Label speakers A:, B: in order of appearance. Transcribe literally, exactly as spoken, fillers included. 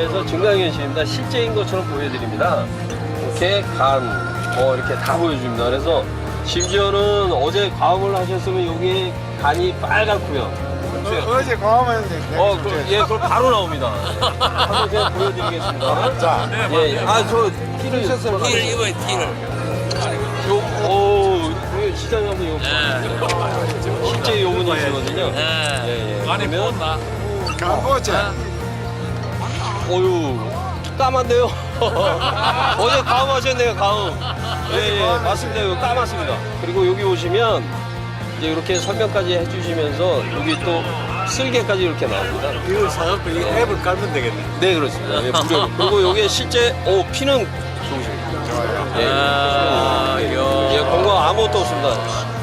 A: 해서 증강현실입니다. 실제인 것처럼 보여드립니다. 이렇게 간, 뭐 이렇게 다 보여줍니다. 그래서 심지어는 어제 과음을 하셨으면 여기 간이 빨갛고요.
B: 어, 어제 과음했는데.
A: 어, 그, 예, 그럼 바로 나옵니다. 한번 제가 보여드리겠습니다.
B: 자,
A: 예, 예. 아, 저 티를 셨어요
C: 티를 입어요, 티를.
A: 요, 오, 이거 시장에 한번 이거 실제 요문이시거든요.
C: 예.
A: 예, 예.
C: 많이
A: 그러면,
C: 부었나?
B: 간보자.
A: 어유 까만데요? 어제 가음 하셨네요, 가음. 예, 예, 맞습니다. 이거 까맣습니다. 그리고 여기 오시면 이제 이렇게 설명까지 해주시면서 여기 또 쓸개까지 이렇게 나옵니다.
C: 이걸 사갖고 이 앱을 깔면 되겠네.
A: 네, 그렇습니다. 예, 무료. 그리고 여기 실제, 오, 피는 좋으십니다.
B: 좋아요.
A: 예,
C: 아,
A: 예,
C: 이야.
A: 예, 공과 아무것도 없습니다.